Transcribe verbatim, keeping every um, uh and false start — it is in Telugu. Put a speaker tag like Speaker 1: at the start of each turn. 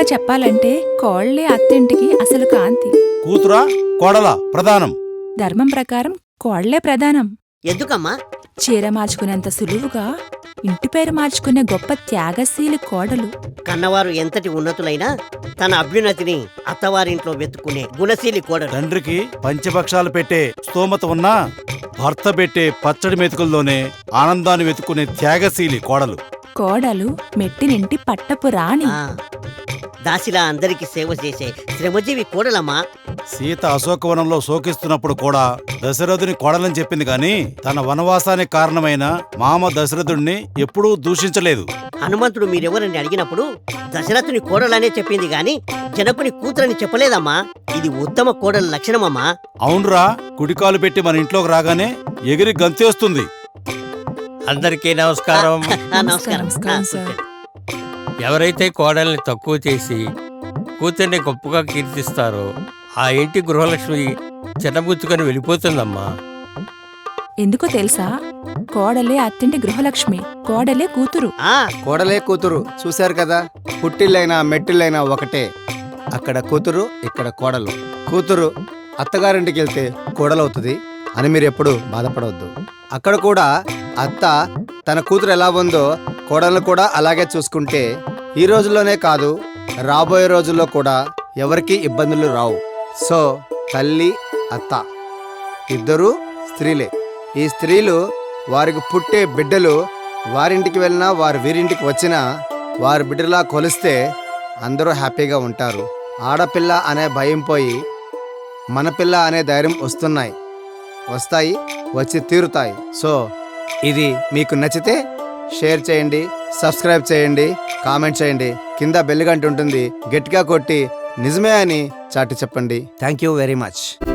Speaker 1: చెప్పాలంటే కోళ్లే అత్తింటికి అసలు కాంతి.
Speaker 2: కూతురా కోడలా ప్రధానం.
Speaker 1: ధర్మం ప్రకారం కోళ్లే ప్రధానం.
Speaker 3: ఎందుకమ్మా?
Speaker 1: చీర మార్చుకునేంత సులువుగా ఇంటి పేరు మార్చుకునే గొప్ప త్యాగశీలి కోడలు.
Speaker 3: కన్నవారు ఎంతటి ఉన్నతులైనా తన అభ్యున్నతిని అత్తవారింట్లో వెతుక్కునే గుణశీలి కోడలు.
Speaker 2: తండ్రికి పంచపక్షాలు పెట్టే స్తోమత ఉన్నా భర్త పెట్టే పచ్చడి మెతుకుల్లోనే ఆనందాన్ని వెతుక్కునే త్యాగశీలి కోడలు.
Speaker 1: కోడలు మెట్టినింటి పట్టపు రాణి.
Speaker 3: ఆ, దాసిలా అందరికి సేవ చేసే శ్రమజీవి కోడలమ్మా.
Speaker 2: సీత అశోకవనంలో శోకిస్తున్నప్పుడు కూడా దశరథుని కోడలని చెప్పింది గాని తన వనవాసానికి కారణమైన మామ దశరథుణ్ణి ఎప్పుడూ దూషించలేదు.
Speaker 3: హనుమంతుడు మీరెవరని అడిగినప్పుడు దశరథుని కోడలనే చెప్పింది గాని జనకుని కూతురని చెప్పలేదమ్మా. ఇది ఉత్తమ కోడల లక్షణమమ్మా.
Speaker 2: అవునురా, కుడికాలు పెట్టి మన ఇంట్లోకి రాగానే ఎగిరి గంతేస్తుంది.
Speaker 4: అందరికీ నమస్కారం.
Speaker 3: ఆ, నమస్కారం.
Speaker 1: నమస్కారం,
Speaker 3: ఆ,
Speaker 1: సార్.
Speaker 4: ఎవరైతే కోడల్ని తక్కువ చేసి కూతుర్ని గొప్పగా కీర్తిస్తారో ఆ ఇంటి గృహలక్ష్మి చిన్నబుచ్చుకొని వెళ్ళిపోతుందమ్మా.
Speaker 1: ఎందుకో తెలుసా? కోడలే అత్తింటి గృహలక్ష్మి, కోడలే కూతురు.
Speaker 3: ఆ,
Speaker 5: కోడలే కూతురు. చూశారు కదా, పుట్టిల్లైనా మెట్టిల్లైనా ఒకటే. అక్కడ కూతురు, ఇక్కడ కోడలు. కూతురు అత్తగారింటికి వెళ్తే కోడలవుతుంది అని మీరు ఎప్పుడు బాధపడవద్దు. అక్కడ కూడా అత్త తన కూతురు ఎలా ఉందో కోడలను కూడా అలాగే చూసుకుంటే ఈ రోజుల్లోనే కాదు రాబోయే రోజుల్లో కూడా ఎవరికీ ఇబ్బందులు రావు. సో తల్లి అత్త ఇద్దరూ స్త్రీలే. ఈ స్త్రీలు వారికి పుట్టే బిడ్డలు వారింటికి వెళ్ళినా వారి వీరింటికి వచ్చినా వారి బిడ్డలా కొలిస్తే అందరూ హ్యాపీగా ఉంటారు. ఆడపిల్ల అనే భయం పోయి మన పిల్ల అనే ధైర్యం వస్తున్నాయి, వస్తాయి, వచ్చి తీరుతాయి. సో ఇది మీకు నచ్చితే షేర్ చేయండి, సబ్స్క్రైబ్ చేయండి, కామెంట్ చేయండి. కింద బెల్ గంట ఉంటుంది, గట్టిగా కొట్టి నిజమే అని చాటి చెప్పండి. Thank you very much.